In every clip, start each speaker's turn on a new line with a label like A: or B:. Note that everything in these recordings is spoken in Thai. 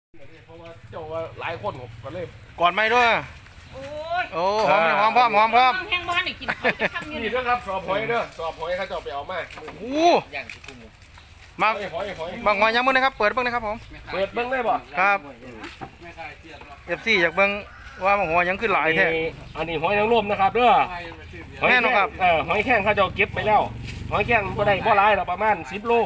A: เพราะว่าเจ้าว่าหลายคนผมก็เลย
B: ก่อนไหมด้วย
C: โอ้ย
B: โอ้หอมหอมพร้อมหอมพร้อม
C: แห้งบ้านนี่กินเขาจะทำยัง
A: นี่
C: ไง
A: นะครับสอบหอยเด้อสอบหอยเขาเจ้าไปเอามา
B: โอ้มา
A: หอย
B: บางหอยยังมึงนะครับเปิดเบิ้งนะครับผม
A: เปิดเบิ้งได้บ่
B: ครับFC อยากเบิ้งว่าบางหอยยังขึ้นหลายแท้
A: อันนี้หอยนางรมนะครับเด้อ
B: แม่นครับ
A: หอยแข้งเขาเจ้าเก็บไปแล้วหอยแข้งบ่ได้บ่หลายหรอกประมาณ10 โล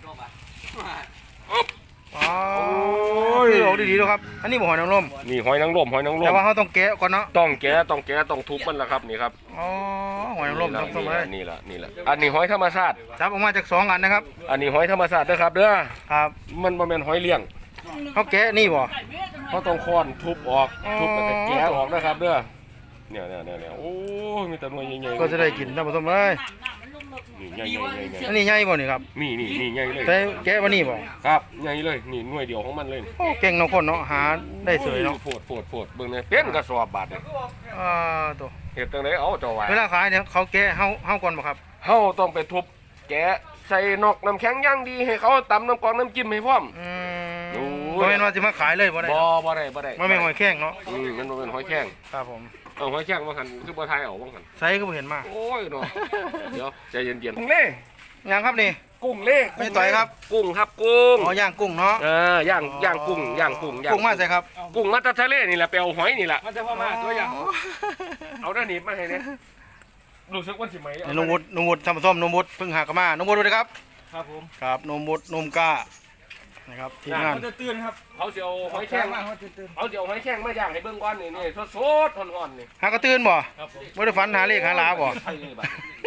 B: อ๋อคือออกดีๆด้วยครับอันนี้บ่หอยนางรม
A: นี่หอยนางรม
B: แต่ว่าเขาต้องแกะก่อนเนาะ
A: ต้องแกะต้องทุบมันละครับนี่ครับ
B: อ๋อหอยนางรมต้องเลย
A: นี่ละอันนี้หอยธรรมชาติ
B: จับออกมาจาก2อันนะครับ
A: อันนี้หอยธรรมชาติเด้อครับเด้อ
B: ครับ
A: มันบ่แม่นหอยเลี้ยง
B: เขาแกะนี่บ่
A: เขาต้องค้อนทุบออกทุบแล้วก็แกะออกนะครับเด้อเนี่ยโอ้ยมีแต่หน่วยใหญ่ๆ
B: ก็จะได้กินท่านผู้ชมเลย
A: นี่ใหญ่
B: อันนี้ใหญ่บ่นี่ครับ
A: นี่ใหญ่เลย
B: แต่แกะบ่นี่บ่
A: ครับใหญ่เลยนี่หน่วยเดียวของมันเลย
B: โอ้เก่งเนาะคนเนาะหาได้สวยเนาะ
A: โผดเบิ่งเนี่ยเป็นกระสอบบาดเนี่ย
B: ตัว
A: เฮ็ดจังไดเอาเจ้าไว้
B: เวลาขายเนี่ยเขาแกะเฮาก่อนบ่ครับ
A: เฮาต้องไปทุบแกะใส่นอกน้ำแข็งอย่างดีให้เขาตำน้ำกรองน้ำจิ้มให้พร้อม โอ้ย
B: บ่แม่นว่าสิมาขายเลยบ่ได้
A: บ่ได้
B: บ่แม่นหอยแข้งเนาะ
A: มันบ่เป็นหอยแข้ง
B: ครับผม
A: เอาหอยแข้งมาหั่นคือบ่ทายเอาบ่หั่น
B: ไซก็บ่เห็นมา
A: โอ้ยเนาะเดี๋ยวใจเย็นๆกุ้งเล่
B: ยังครับนี่
A: กุ้งเล่
B: ไม่ต่อยครับ
A: กุ้งครับกุ้ง
B: อ๋อย่างกุ้งเนาะ
A: ย่างกุ้ง
B: กุ้งมาใส่ครับ
A: กุ้งมาจากทะเลนี่แหละไปเอาหอยนี่แหละ
D: มันจะพ่อมาตัวอย่าง
A: เอาด้านนี้มาให้เนี่ยรู้สึกว่าสิไหม
B: นี่นุ่มวุฒิทำส้มนุ่มวุฒิเพิ่งหากมานุ่มวุฒิด้วยครับ
D: ครับผม
B: ครับนุ่มวุฒินุ่มกล้านะครับทีมงาน
D: เขาจะตื่นครับ
A: เขาเสียวหอยแข้ง
D: มาเขาจะตื่น
A: เขาเสียวหอยแข้งมาย่างให้เบิ่งก่อนนี่สดๆอ่อนๆนี่
B: หากระตื้นบ่
D: ครับผม
B: บ่ได้ฝันหาเลขหาลาบ่
A: ใช่เลยบัด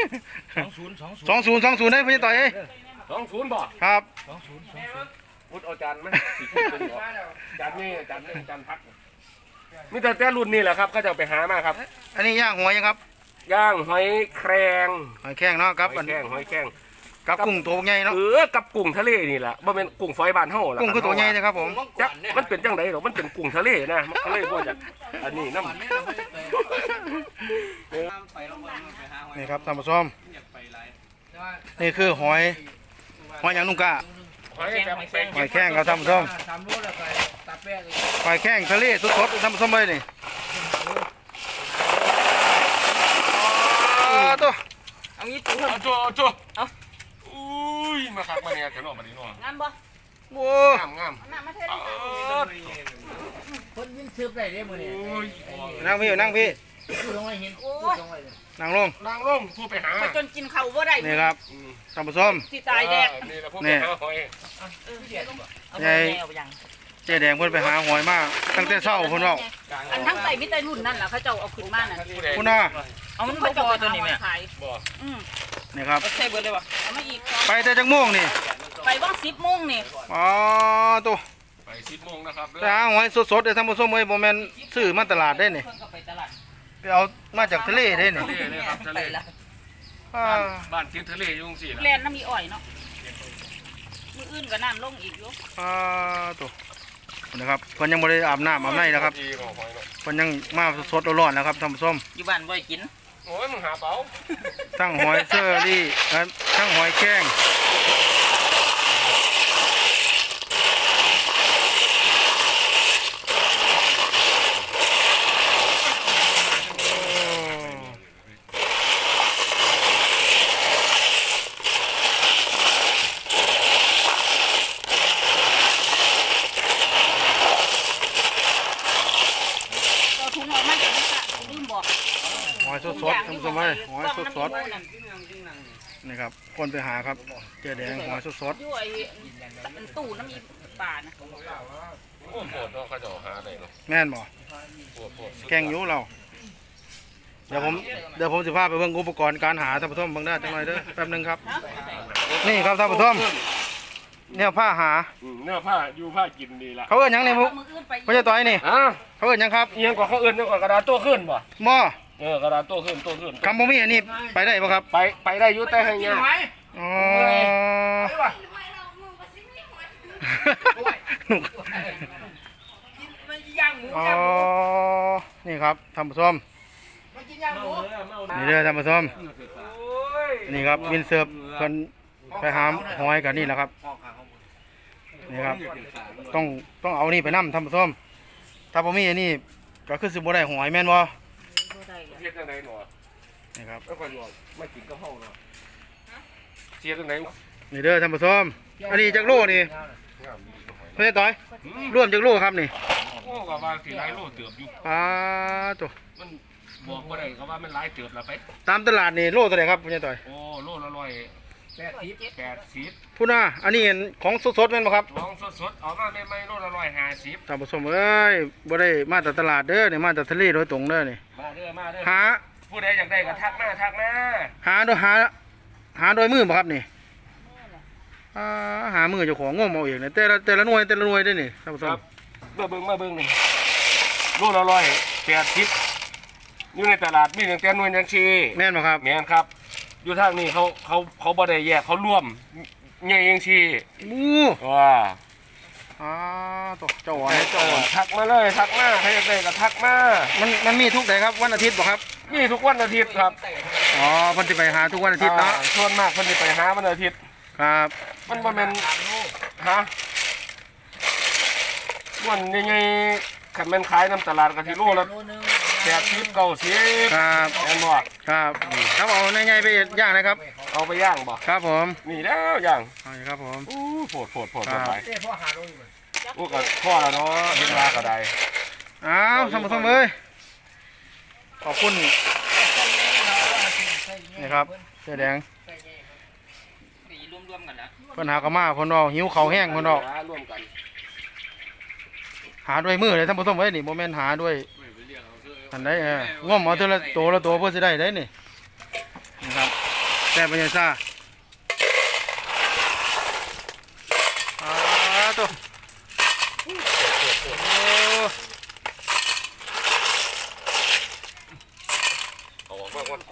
B: 2020ได้พี่ต่อยเอ้ย
A: 20บ่
B: ครับ
A: พุทธเอาจารย์ไหมสีขึ้นบ่จานนี่จานพักมีแต่รุ่นนี่แหละครับก็จะไปหามาครับ
B: อันนี้ย่างหัวยังครับ
A: ย่างหอยแครง
B: หอยแข้งเนาะครับ
A: หอยแข้ง
B: กับกุ้งตัวใหญ่เนาะ
A: กับกุ้งทะเลนี่แหละบ่เป็นกุ้งฝอยบ้านเฮาล่ะ
B: กุ้งคือตัวใหญ่นะครับผม
A: จักมันเป็นจังไดหรอมันเป็นกุ้งทะเลนะมันทะเลบ่จักอันนี้น้ำ
B: นี่ครับท่านผู้ชมนี่คือหอยอย่างนุ่มกล้า
A: หอยแบบ
B: หอยแข้งครับท่านผู้ชม
D: สามโลแล้วไปตาแป้ง
B: หอยแข้งทะเลสดๆท่านผู้ชมเลยนี่ตัว
C: เอางี้ปู
A: เอาจั่วอุ้ยมาคักมาเนี่ยเถอะเนาะบัดนี้เนาะ
C: งานบ่
B: โอ้
A: งาม
C: น้ำมาเทศ
D: คนยินซื้อได้เด้มื้อนี้
A: โอ้ย
B: นั่งพี่นั่งพี่
D: คือลงไว้เห็น
C: โอ้ย
B: นั่งลง
A: นางลงผู้ไปหา
C: ไปจนกินข้าวบ่ได้
B: นี่ครับท่านผู้ชม
C: สิตายแดก
A: นี่แหละผู้ไปหาหอย
C: เอาแนวยัง
B: เจ๊แดงเพิ่นไปหาหอยมาตั้งแต่เช้าเพิ่นเว้า
C: อันทั้งไตมิตรรุ่นนั่นล่ะเขาเจ้าเอาขึ้นมาน่ะ
B: คุณน่ะ
C: เอามันบ่พอตัวนี้แม่ขาย
A: บ่
B: นี่ครับ
C: ใช่เบิดเลยวะเอามาอีก
B: ไปแต่จังม่วงนี่
C: ไปว่าง10 โมงนี่
B: อ๋อตัว
A: ไป10 โมงนะครับ
B: แต่หาหอยสดๆเด้อท่านผู้ชมเอ้ยบ่แม่นซื้อมาตลาดได้นี่
C: เพิ่นก็ไปตลาด
B: ไปเอามาจากทะเลได้นี่
A: ทะเลเลยครับทะเล
B: อ่า
A: บ้านติดทะเลอยู่จังซี่
C: แล
A: ล่ะ
C: นน้ำมีอ้อยเนาะมื้ออื่นก็น้ำลงอีกอยู่
B: ตัวนะครับเพิ่นยังบ่ได้อาบน้ำอาบในนะครับ
A: ดีของหอยเนาะ
B: เพิ่นยังมาสดๆร้อนๆนะครับท่านผู้ชม
C: อยู่บ้านบ่ได้กิน
A: โอ้ยมึงหาเป๋า
B: ทั้งหอยเชอรี่ทั้งหอยแข้ง
C: ก็ถุงออกมาจากนี่ค่ะลืมบอก
B: หอยสดๆท่านผู้ชมเอ้ยหอยสดๆนี่ครับคนไปหาครับเจ๊แดงหอยสด
C: อยู่ไอ้ตู้น้ำมีป่านะ
A: โอ้โหเนาะเขาจะหาได้เนาะ
B: ๆแม่นบ่
A: โหด
B: แกงอยู่เราเดี๋ยวผมสิพาไปเบิ่งอุปกรณ์การหาท่านผู้ชมเบิ่งได้จังหน่อยเด้อแป๊บหนึงครับ นี่ครับท่านผู้ชมเนี่ยผ้าหา
A: เนื้อผ้าอยู่ผ้ากินดีละ
B: เขาเอิ้นหยังเนี่ยพวก
C: มืออื่นไป
B: ไม่ใช่ต่อยนี่
A: อ่ะ
B: เขาเอิ้นหยังครับ
A: เอียงกว่าเขาเอื้อนเอียงกว่ากระดาษโต้ขึ้นบ่
B: หม้อก
A: ระดาษโต้ขึ้น
B: คำบ่มีอันนี้ไปได้บ่ครับ
A: ไปได้อยู่แต่ให้ยาก
B: อ๋อ อ๋อนี่ครับท่านผู้ชมนี่เด้อท่านผู้ชมนี่ครับวินเซิร์ฟเพิ่นไปหาหอยกันนี่แหละครับนี่ครับต้องเอานี่ไปนำท่านผู้ชมถ้าบ่มีอันนี้ก็คือสิบ่ได้หอยแม่นบ่
C: บ่ได้อะ
A: เสียจังไดหนอ
B: นี่ครับ
A: แล้วก็อยู่ไม่กินกะเพราเนาะเสียจังได
B: นี่เด้อท่านผู้ชมอันนี้จักโลนี่เพิ่นต่อยรวมจักโลครับนี่
A: โอ้ก็ว่าสิหลายโลเติบอยู่
B: ปลาตัว
A: มันบอกบ่ได้ก็ว่ามันหลายเติบละไป
B: ตามตลาดนี่โลเท่าไหร่ครับเพิ่นต่อย
A: โอ้โลละ
B: พูดนะอันนี้ของสดๆแม่นบ่ครับ
A: 180ของสดๆเอามาใหม่ๆโลละ150
B: ท่านผู้ชมเอ้ยบ่ได้มาแต่ตลาดเด้อนี่มาแต่ทะเลโดยตรงเด้อนี่
A: มาเด้อมาเด้อ
B: หา
A: ผู้ใดอยากได้ก็ทักมาทักมา
B: หาโดยมือบ่ครับนี่หามือเจ้าของงมเอาเองนี่แต่ละหน่วยเด้อนี่ท่านผู้ช
A: ค
B: ม
A: รับมาเบิ่งนี่โลละ180อยู่ในตลาดมีตั้งแต่หน่วยยังชี
B: แม่นบ่ครับ
A: แม่นครับ อยู่ทางนี้เขาบ่ได้แยกเขาร่วมใหญ่ยังชี
B: อู้
A: ว้า
B: ตัวเจ้าหวายเจ้าหวาย
A: ทักมาเลยทักมาใครอยากได้ก็ทักมา
B: มันมีทุกไหนครับวันอาทิตย์บ่ครับ
A: มีทุกวันอาทิตย์ครับ
B: อ๋อเพิ่นสิไปหาทุกวันอาทิตย์เนาะ
A: ส่วนมากเพิ่นสิไปหาวันอาทิตย์
B: ครับ
A: มันบ่แม่นฮะวันใหญ่ๆคันแม่นขายน้ำตลาดก็สิโลละ80 90
B: ครับ
A: แม่นบ่
B: ครับครับเอาในไงไปย่างนะครับ
A: เอาไปย่างบ่
B: ครับผม
A: นี่แล้วย่าง
B: เอาอยู่ครับผม
A: อู้โผด
B: ครับ
A: ไป
D: เต้พ่อหาลงอยู่
A: อู้ก็พอแล้วเนาะเฮ็ดว่าก็ได้
B: อ้าวท่านผู้ชมเอ้ยขอบคุณนี่ครับเสื้อแดง
C: นี่รวมๆกันนะ
B: เพิ่นหากะมาเพิ่นเอาหิวข้าวแห้งเพิ่นเอา
A: ร่วมกัน
B: หาด้วยมือเลยท่านผู้ชมเอ้ยนี่บ่แม่นหาด้วยอันใดง่อมเอาทีละตัวละตัวเพื่อสิได้ได้นี่นะครับแต่ปัญญาซ่าตัวโอ้
A: เอาออกมาก่อน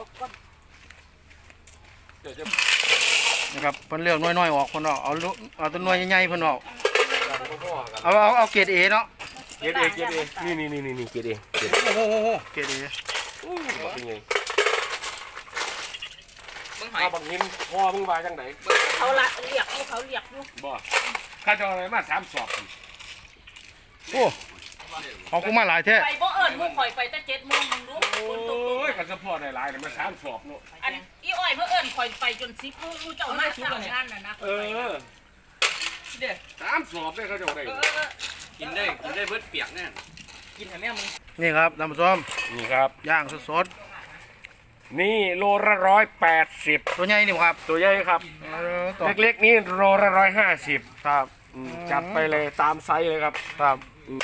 A: เดี๋ยวจะ
B: นะครับเพิ่นเลือกน้อยๆออกเพิ่นเอาเอาตัวน้อยใหญ่ๆเพิ่นเอา
A: ดังพ่อๆกัน
B: เอาเกรด A เนาะ
A: เกรดเอนี่เกรดเอ
B: โอ้โหเกรด A
A: บอกเป็นไง
C: เบิ่งหอย
A: เอาบักนินพ่อมึงว่าจังได
C: เขาละเรียกอยู่
A: บ่ข้าจะเอาอะไรมา3สอบ
B: โอ้ของกูมาหลายแท้
C: ไปบ่เอิ้นหมู่ข่อยไปแต่7:00นมึงรู้ฝนตก
A: โอ้ยกันสะพอได้หลายเลยมา3สอบเนาะ
C: อันอีอ้อยเพิ่นเอิ้นข่อยไปจน10รู้เจ้ามาสร้างงานน่ะนะ
A: เออ
C: เด้อ
A: 3สอบได้เขาจะเอาได้
C: กินได้เบิดเปียกแน่กินให้แม่มึง
B: นี่ครับท่านผู้ชม
A: นี่ครับ
B: ย่างสด
A: นี่โลละ180
B: ๆตัวใหญ่นี่ครับ
A: ตัวใหญ่ครับ
B: ตัว
A: เล็กๆนี่โลละ150
B: ครับ
A: จัดไปเลยตามไซส์เลยครับ
B: ครับ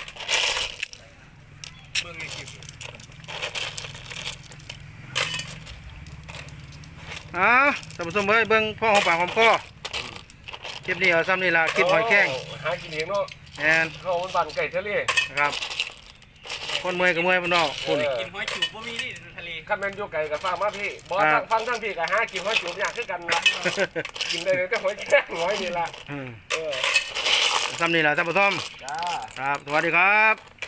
B: ท่านผู้ชมเอ้ยเบิ่งพ่อของปากของคอคลิปนี้เอาซ้ำนี่ล่ะคลิปหอยแข้ง
A: หากินเองเนาะ
B: แอน
A: เขาเป็นบ้านไก่ทะเล
B: นะครับคนเมื่อยก็เมื่อยพนอกคุณ
C: กินหอยจูบบ่มีนี่ทะเล
A: ข้าแมนอยู่ไก่กับฟังมาพี่บอก
B: ครับ
A: ฟังทั้งพี่กับหากินหอยจูบอย่างคือกันนะกินได้เลยแต่หอยแข้งหอยนี่ละ
B: อืม
A: เออ
B: ซ้ำนี่ล่ะท่านผู้ชม
A: จ้า
B: ครับ สวัสดีครับ